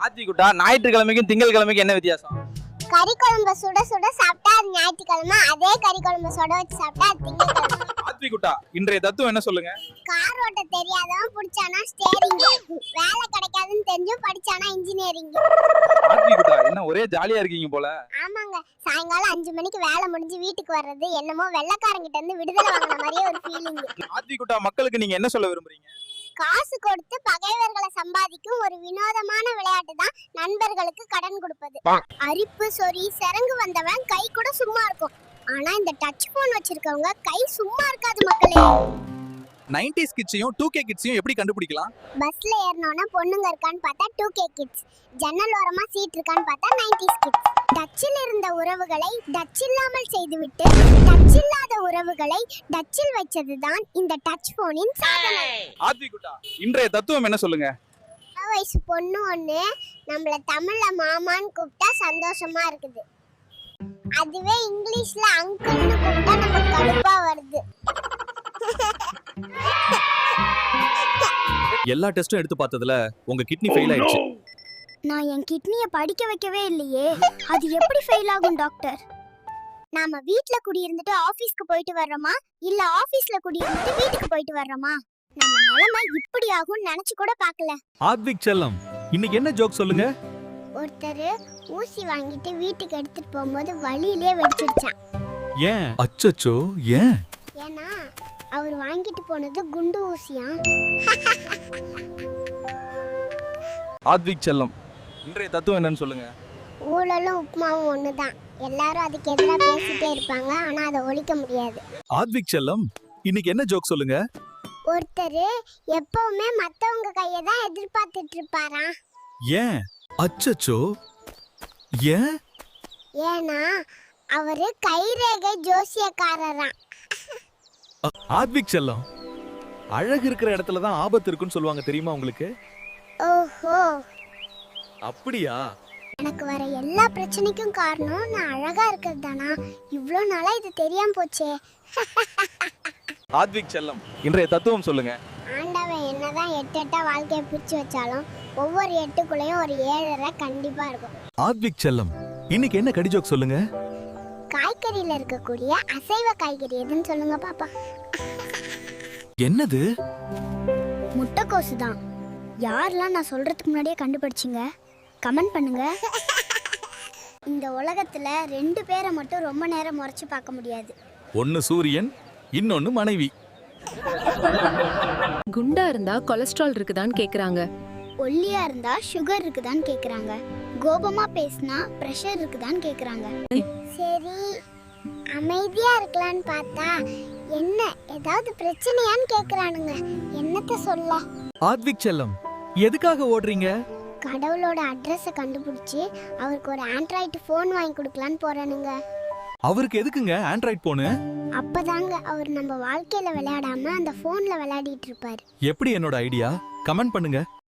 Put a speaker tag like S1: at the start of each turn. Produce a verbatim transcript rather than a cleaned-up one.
S1: ஆத்திக்குட்டா ஞாயிற்றுக்கிழமைக்கும் திங்கள் கிழமைக்கும் என்ன வித்தியாசம்?
S2: கறி குழம்பு சுட சுட சாப்பிட்டா அது ஞாயிற்றுக்கிழமை, அதே கறி குழம்பு சுட வச்சு சாப்பிட்டா அது திங்கட்கிழமை.
S1: ஆத்திக்குட்டா இன்றைய தத்துவம் என்ன சொல்லுங்க?
S2: கார் ஓட்ட தெரியாதவன் பிடிச்சானா ஸ்டேரிங், வேலை கிடைக்காதுன்னு தெரிஞ்சும் படிச்சானா இன்ஜினியரிங்.
S1: ஆத்திக்குட்டா என்ன ஒரே ஜாலியா இருக்கீங்க போல.
S2: ஆமாங்க, சாயங்காலம் அஞ்சு மணிக்கு வேலை முடிஞ்சு வீட்டுக்கு வர்றது என்னமோ வெள்ளைக்காரங்கிட்ட இருந்து விடுதலை வாங்கின மாதிரியே ஒரு ஃபீலிங்.
S1: ஆத்திக்குட்டா மக்களுக்கு நீங்க என்ன சொல்ல விரும்புறீங்க?
S2: காசு கொடுத்து பகைவர்களை சம்பாதிக்கும் ஒரு வினோதமான விளையாட்டு தான் நண்பர்களுக்கு கடன் கொடுப்பது. அரிப்பு சொறி சிறங்கு வந்தவன் கை கூட சும்மா இருக்கும், ஆனா இந்த டச் போன் வச்சிருக்கவங்க கை சும்மா இருக்காது மக்களே.
S1: நைன்டிஸ் கிட்ஸையும் டூ கே கிட்ஸையும் எப்படி கண்டுபிடிக்கலாம்?
S2: பஸ்ல ஏறனோனா பொண்ணுங்க இருக்கான்னு பார்த்தா டூ கே கிட்ஸ், ஜன்னல் ஓரமா சீட் இருக்கான்னு பார்த்தா நைன்டிஸ் கிட்ஸ். டச்சில் இருந்த உறவுகளை டச் இல்லாமல் செய்துவிட்டு டச் இல்லாத உறவுகளை டச்சில் வைச்சதுதான் இந்த டச் போனின் சாதனை.
S1: ஆத்திக்குட்டா இன்றைய தத்துவம் என்ன சொல்லுங்க?
S2: வயசு பொண்ணு ஒண்ணு நம்மள தமிழ்ல மாமான்னு கூப்பிட்டா சந்தோஷமா இருக்குது, அதுவே இங்கிலீஷ்ல அங்கிள்னு கூப்பிட்டா நமக்கு கடுப்பா வருது.
S3: எல்லா டெஸ்டும் எடுத்து பார்த்ததுல உங்க கிட்னி ஃபெயில் ஆயிடுச்சு.
S2: நான் என் கிட்னியை படிக்க வைக்கவே இல்லையே, அது எப்படி ஃபெயில் ஆகும் டாக்டர்? நாம வீட்ல குடியிருந்துட்டு ஆபீஸ்க்கு போயிட்டு வர்றோமா இல்ல ஆபீஸ்ல குடியிருந்துட்டு வீட்டுக்கு போயிட்டு வர்றோமா? நம்ம நிலைமை இப்படி ஆகும்னு நினைச்சு கூட பார்க்கல.
S3: ஆத்விக் செல்லம் இன்னைக்கு என்ன ஜோக் சொல்லுங்க?
S2: ஒருத்தர் ஊசி வாங்கிட்டு வீட்டுக்கு எடுத்துட்டு போகும்போது வழியிலே வெடிச்சிடுச்சான்.
S3: ஏன்? அச்சச்சோ ஏன்?
S2: ஏன்னா அவர் வாங்கிட்டு போனது குண்டு ஊசியா.
S1: ஆத்விக் செல்லம் இன்றைய தத்துவம் என்னன்னு சொல்லுங்க?
S2: ஊழலும் உப்புமாவும் ஒண்ணுதான், எல்லாரும் அதுக்கு எதிராக பேசிட்டே இருப்பாங்க, ஆனா அதை ஒழிக்க முடியாது.
S3: ஆத்விக் செல்லம் இன்னைக்கு என்ன ஜோக் சொல்லுங்க?
S2: ஒருத்தர் எப்பவுமே மத்தவங்க கையை தான் எதிர்பார்த்துட்டு இருப்பாராம்.
S3: ஏன்? அச்சச்சோ ஏன்?
S2: ஏன்னா அவரு கைரேகை ஜோசியக்காரராம்.
S3: ஆத்விக் செல்லம் அழகு இருக்கிற இடத்துல தான் ஆபத்து இருக்குன்னு சொல்லுவாங்க, தெரியுமா உங்களுக்கு?
S2: ஓஹோ,
S3: அப்படியா?
S2: எனக்கு வர எல்லா பிரச்சனைக்கும் காரணம் நான் அழகா இருக்கிறது தானா? இவ்வளோ நாளா இது தெரியாம போச்சே.
S1: ஆத்விக் செல்லம் இன்றைய தத்துவம் சொல்லுங்க?
S2: ஆண்டவன் என்னதான் எட்டு எட்டா வாழ்க்கையை பிரிச்சு வச்சாலும் ஒவ்வொரு எட்டுக்குள்ளேயும் ஒரு ஏழரை கண்டிப்பா இருக்கும்.
S3: ஆத்விக் செல்லம் இன்னைக்கு என்ன கடி ஜோக் சொல்லுங்க?
S2: காய்கறியில இருக்கக்கூடிய அசைவ காய்கறி எதுன்னு சொல்லுங்க பாப்பா.
S3: என்னது?
S2: முட்டைக்கோசு தான். யாரெல்லாம் நான் சொல்றதுக்கு முன்னாடியே கண்டுபிடிச்சிங்க? கமெண்ட் பண்ணுங்க. இந்த உலகத்துல ரெண்டு பேரை மட்டும் ரொம்ப நேரம் முறைச்சு பார்க்க முடியாது.
S3: ஒன்னு சூரியன், இன்னொன்னு மனைவி.
S4: குண்டா இருந்தா கொலஸ்ட்ரால் இருக்குதான்னு கேக்குறாங்க.
S2: ஒல்லியா இருந்தா சுகர் இருக்குதான்னு கேக்குறாங்க. கோபமா பேசினா பிரஷர் இருக்குதான்னு கேக்குறாங்க. சரி அமைதியா இருக்கலான்னு பார்த்தா என்ன ஏதாவது பிரச்சனையான்னு கேக்குறானுங்க. என்னத்த சொல்ல?
S3: ஆத்விக் செல்லம் எதுக்காக ஓடுறீங்க?
S2: கடவுளோட அட்ரஸை கண்டுபிடிச்சி அவருக்கு ஒரு ஆண்ட்ராய்டு ஃபோன் வாங்கி கொடுக்கலான்னு போறானுங்க.
S3: அவருக்கு எதுக்குங்க ஆண்ட்ராய்ட் போனு?
S2: அப்பதாங்க அவர் நம்ம வாழ்க்கையில விளையாடாம அந்த போன்ல விளையாடிட்டு இருப்பாரு.
S3: எப்படி என்னோட ஐடியா? கமெண்ட் பண்ணுங்க.